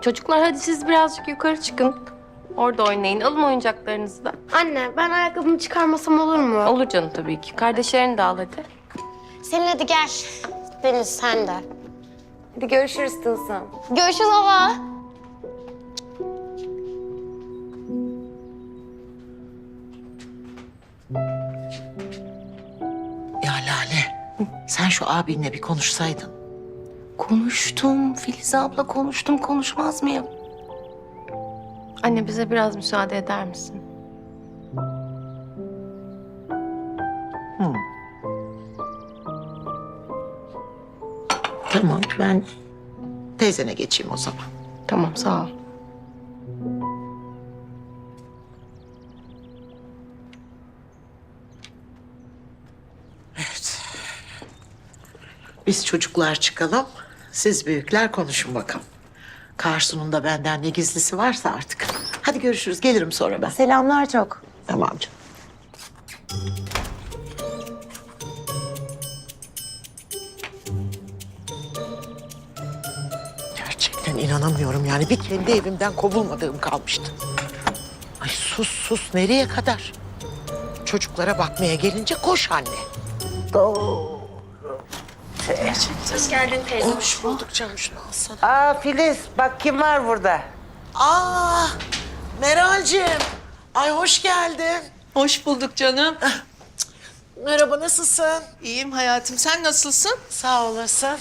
Çocuklar hadi siz birazcık yukarı çıkın. Orada oynayın. Alın oyuncaklarınızı da. Anne ben ayakkabımı çıkarmasam olur mu? Olur canım tabii ki. Kardeşlerini de al hadi. Selin hadi gel. Deniz sen de. Hadi görüşürüz Tılsım. Görüşürüz baba. Ya Lale, sen şu abinle bir konuşsaydın. Konuştum. Filiz abla konuştum. Konuşmaz mıyım? Anne bize biraz müsaade eder misin? Tamam, ben teyzene geçeyim o zaman. Tamam sağ ol. Evet. Biz çocuklar çıkalım, siz büyükler konuşun bakalım. Karsu'nun da benden ne gizlisi varsa artık. Hadi görüşürüz, gelirim sonra ben. Selamlar çok. Tamam canım. Gerçekten inanamıyorum yani. Bir kendi evimden kovulmadığım kalmıştı. Ay sus sus, nereye kadar? Çocuklara bakmaya gelince koş anne. Doğru. Hoş geldin teyze. Hoş bulduk canım, şunu alsana. Aa Filiz, bak kim var burada? Aa, Meral'cim. Ay hoş geldin. Hoş bulduk canım. Merhaba, nasılsın? İyiyim hayatım. Sen nasılsın? Sağ olasın.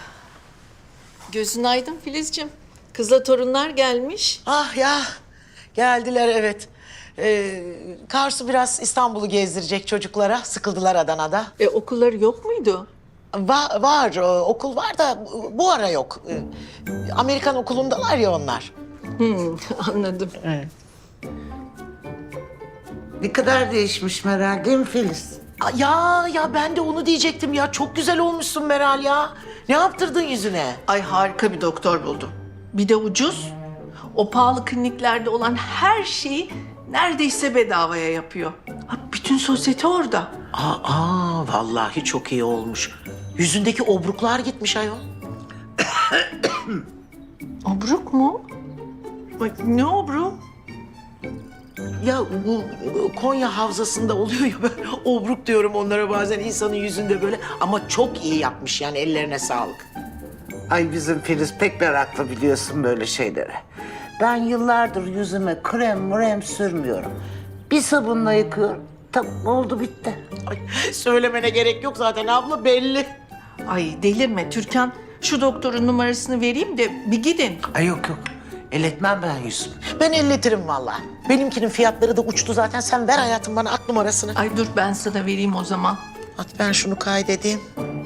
Gözün aydın Filizciğim. Kızla torunlar gelmiş. Ah ya, geldiler evet. Karsu biraz İstanbul'u gezdirecek çocuklara. Sıkıldılar Adana'da. Okulları yok muydu? Var, okul var da bu ara yok. Amerikan okulundalar ya onlar. Anladım. Ne kadar değişmiş Meral, değil mi Filiz? Ya ben de onu diyecektim ya. Çok güzel olmuşsun Meral ya. Ne yaptırdın yüzüne? Ay harika bir doktor buldum. Bir de ucuz. O pahalı kliniklerde olan her şeyi neredeyse bedavaya yapıyor. Ha, bütün sosyete orada. Vallahi çok iyi olmuş. Yüzündeki obruklar gitmiş ayol. Obruk mu? Bak ne obruk? Ya bu Konya Havzası'nda oluyor ya, ben obruk diyorum onlara bazen insanın yüzünde böyle. Ama çok iyi yapmış yani, ellerine sağlık. Ay bizim Filiz pek meraklı biliyorsun böyle şeylere. Ben yıllardır yüzüme krem sürmüyorum. Bir sabunla yıkıyorum. Tamam oldu bitti. Ay, söylemene gerek yok zaten abla, belli. Ay delirme Türkan. Şu doktorun numarasını vereyim de bir gidin. Ay yok. Elletmem ben yüzümü. Ben elletirim vallahi. Benimkinin fiyatları da uçtu zaten. Sen ver hayatım bana at numarasını. Ay dur ben sana vereyim o zaman. At, ben şunu kaydedeyim.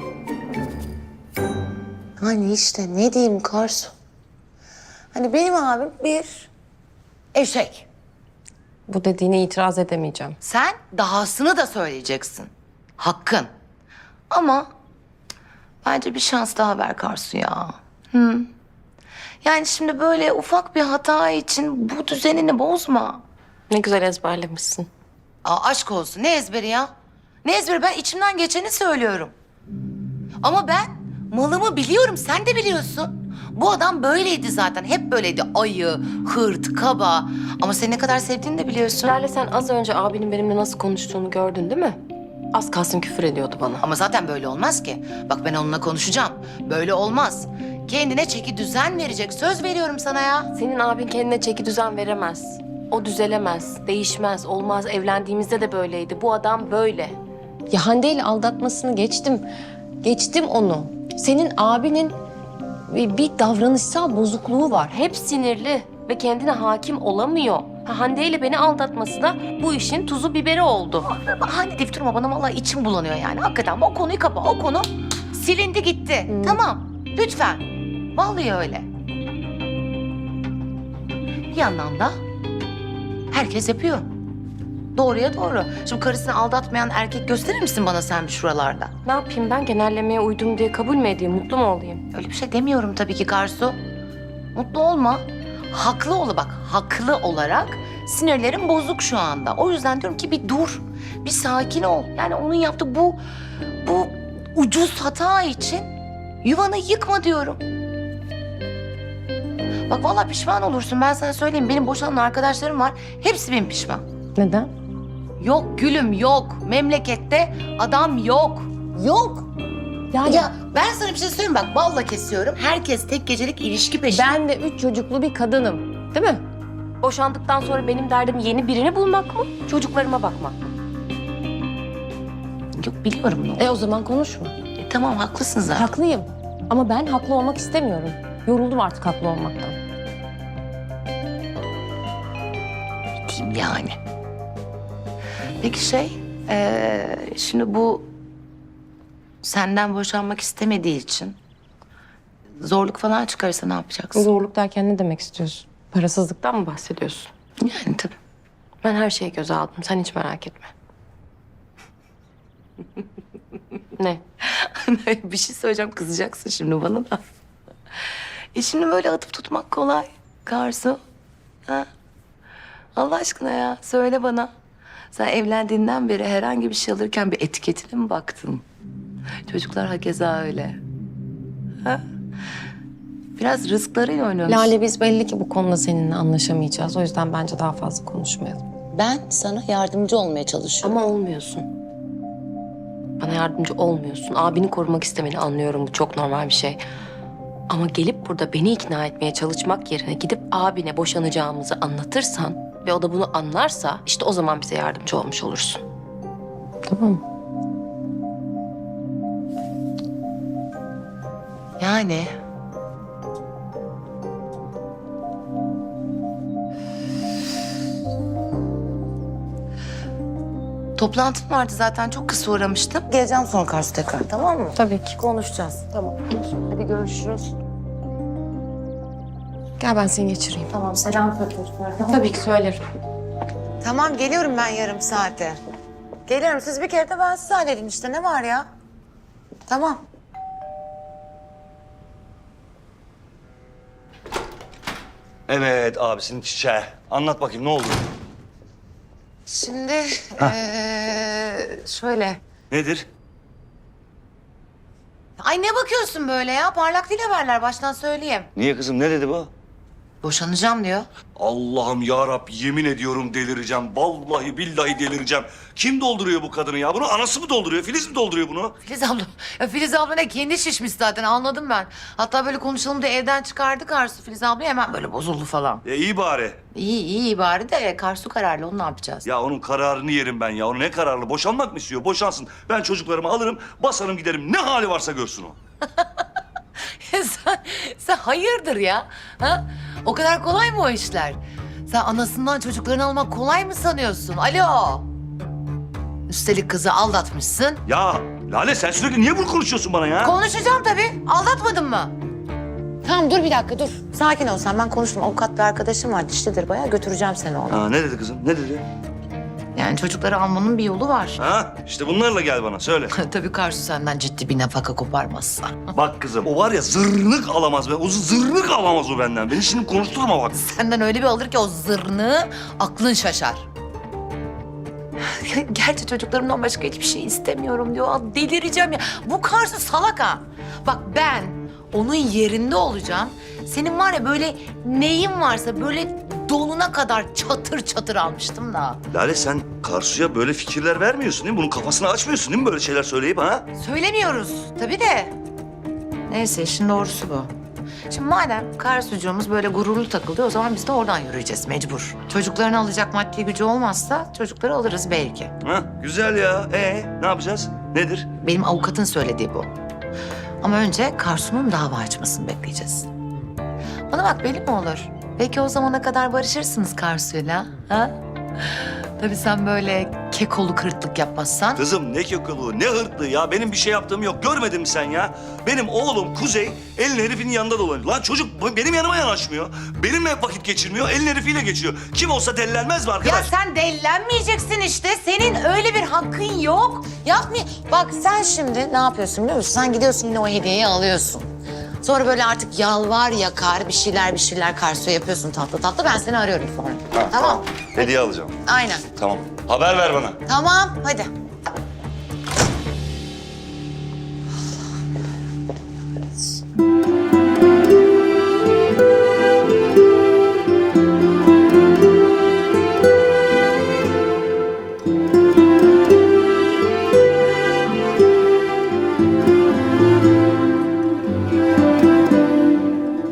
Hani işte ne diyeyim Karsu? Hani benim abim bir eşek. Bu dediğine itiraz edemeyeceğim. Sen dahasını da söyleyeceksin. Hakkın. Ama bence bir şans daha ver Karsu ya. Yani şimdi böyle ufak bir hata için bu düzenini bozma. Ne güzel ezberlemişsin. Aşk olsun, ne ezberi ya? Ne ezberi? Ben içimden geçeni söylüyorum. Ama ben malımı biliyorum, sen de biliyorsun. Bu adam böyleydi zaten, hep böyleydi. Ayı, hırt, kaba. Ama seni ne kadar sevdiğini de biliyorsun. Lale sen az önce abinin benimle nasıl konuştuğunu gördün değil mi? Az kalsın küfür ediyordu bana. Ama zaten böyle olmaz ki. Bak ben onunla konuşacağım. Böyle olmaz. Kendine çeki düzen verecek. Söz veriyorum sana ya. Senin abin kendine çeki düzen veremez. O düzelemez, değişmez, olmaz. Evlendiğimizde de böyleydi. Bu adam böyle. Ya Hande ile aldatmasını geçtim. Geçtim onu. Senin abinin bir davranışsal bozukluğu var. Hep sinirli ve kendine hakim olamıyor. Hande ile beni aldatması da bu işin tuzu biberi oldu. Bahane deyip durma bana, vallahi içim bulanıyor yani. Hakikaten o konuyu kapa. O konu silindi gitti. Tamam. Lütfen. Vallahi öyle. Bir yandan da herkes yapıyor. Doğruya doğru. Şimdi karısını aldatmayan erkek gösterir misin bana sen bir şuralarda? Ne yapayım ben genellemeye uydum diye kabul mü edeyim, mutlu mu olayım? Öyle bir şey demiyorum tabii ki Karsu. Mutlu olma. Haklı ol bak. Haklı olarak sinirlerim bozuk şu anda. O yüzden diyorum ki bir dur. Bir sakin ol. Yani onun yaptığı bu ucuz hata için yuvanı yıkma diyorum. Bak vallahi pişman olursun. Ben sana söyleyeyim. Benim boşanan arkadaşlarım var. Hepsi benim pişman. Neden? Yok gülüm yok. Memlekette adam yok. Yok. Ya ben sana bir şey söyleyeyim bak. Balla kesiyorum. Herkes tek gecelik ilişki peşinde. Ben de 3 çocuklu bir kadınım. Değil mi? Boşandıktan sonra benim derdim yeni birini bulmak mı? Çocuklarıma bakmak mı? Yok biliyorum ne. O zaman konuşma. Tamam haklısın zaten. Haklıyım. Ama ben haklı olmak istemiyorum. Yoruldum artık haklı olmaktan. Diyeyim yani. Peki şimdi bu senden boşanmak istemediği için zorluk falan çıkarsa ne yapacaksın? Zorluk derken ne demek istiyorsun? Parasızlıktan mı bahsediyorsun? Yani tabii. Ben her şeyi göze aldım. Sen hiç merak etme. Ne? Bir şey söyleyeceğim kızacaksın şimdi bana da. Şimdi böyle atıp tutmak kolay Karsu. Ha? Allah aşkına ya söyle bana. Sen evlendiğinden beri herhangi bir şey alırken bir etiketine mi baktın? Çocuklar hakeza öyle. Ha? Biraz rızklarıyla oynuyorsun. Lale biz belli ki bu konuda seninle anlaşamayacağız. O yüzden bence daha fazla konuşmayalım. Ben sana yardımcı olmaya çalışıyorum. Ama olmuyorsun. Bana yardımcı olmuyorsun. Abini korumak istemeni anlıyorum. Bu çok normal bir şey. Ama gelip burada beni ikna etmeye çalışmak yerine gidip abine boşanacağımızı anlatırsan ve o da bunu anlarsa işte o zaman bize yardımcı olmuş olursun. Tamam mı? Yani toplantım vardı zaten çok kısa uğramıştım. Geleceğim sonra Karsu tekrar tamam mı? Tabii ki. Konuşacağız. Tamam. Hadi görüşürüz. Gel ben seni geçireyim. Tamam selam söyle çocuklar. Tabii ki söylerim. Tamam geliyorum ben yarım saate. Geliyorum siz bir kere de ben size halledin işte ne var ya? Tamam. Evet abisinin çiçeği. Anlat bakayım ne oldu? Şimdi şöyle. Nedir? Ay ne bakıyorsun böyle ya? Parlak değil haberler baştan söyleyeyim. Niye kızım ne dedi bu? Boşanacağım diyor. Allah'ım ya Rab yemin ediyorum delireceğim. Vallahi billahi delireceğim. Kim dolduruyor bu kadını ya? Bunu anası mı dolduruyor? Filiz mi dolduruyor bunu? Filiz abla. Ya Filiz abla ne kendi şişmiş zaten anladım ben. Hatta böyle konuşalım diye evden çıkardı Karsu Filiz abla hemen böyle bozuldu falan. İyi bari. İyi bari de Karsu kararlı onu ne yapacağız? Ya onun kararını yerim ben ya. Onu ne kararlı? Boşanmak mı istiyor? Boşansın. Ben çocuklarımı alırım, basarım giderim. Ne hali varsa görsün o. sen hayırdır ya? Ha? O kadar kolay mı o işler? Sen anasından çocuklarını almak kolay mı sanıyorsun? Alo. Üstelik kızı aldatmışsın. Ya Lale sen sürekli niye bunu konuşuyorsun bana ya? Konuşacağım tabii. Aldatmadın mı? Tamam dur bir dakika dur. Sakin ol sen. Ben konuştum. Avukat bir arkadaşım var. Dişlidir bayağı. Götüreceğim seni ona. Ha, ne dedi kızım? Ne dedi? Yani çocukları almanın bir yolu var. Ha işte bunlarla gel bana söyle. Tabii Karsu senden ciddi bir nafaka koparmazsa. Bak kızım o var ya zırnık alamaz. O zırnık alamaz o benden. Beni şimdi konuşturma bak. Senden öyle bir alır ki o zırnı aklın şaşar. Gerçi çocuklarımdan başka hiçbir şey istemiyorum diyor. Aa, delireceğim ya. Bu Karsu salak ha. Bak ben onun yerinde olacağım. Senin var ya böyle neyin varsa böyle donuna kadar çatır çatır almıştım da. Lale sen Karsu'ya böyle fikirler vermiyorsun değil mi? Bunun kafasını açmıyorsun değil mi böyle şeyler söyleyip ha? Söylemiyoruz tabii de. Neyse işin doğrusu bu. Şimdi madem Karsucuğumuz böyle gururlu takıldı o zaman biz de oradan yürüyeceğiz mecbur. Çocuklarını alacak maddi gücü olmazsa çocukları alırız belki. Ha güzel ya. Ne yapacağız? Nedir? Benim avukatın söylediği bu. Ama önce Karsu'nun dava açmasını bekleyeceğiz. Bana bak belli mi olur? Belki o zamana kadar barışırsınız Karsu'yla. Ha? Tabii sen böyle kekolu kırıtlık yapmazsan. Kızım ne kökülüğü, ne hırtlığı ya. Benim bir şey yaptığım yok. Görmedin mi sen ya? Benim oğlum Kuzey elin herifinin yanında dolanıyor. Lan çocuk benim yanıma yanaşmıyor. Benimle vakit geçirmiyor. Elin herifiyle geçiyor. Kim olsa dellenmez mi arkadaş? Ya sen dellenmeyeceksin işte. Senin öyle bir hakkın yok. Yapmıyor. Bak sen şimdi ne yapıyorsun biliyor musun? Sen gidiyorsun yine o hediyeyi alıyorsun. Sonra böyle artık yalvar yakar bir şeyler Karsu'ya yapıyorsun tatlı tatlı. Ben seni arıyorum sonra. Tamam. Hediye alacağım. Aynen. Tamam. Haber ver bana. Tamam hadi.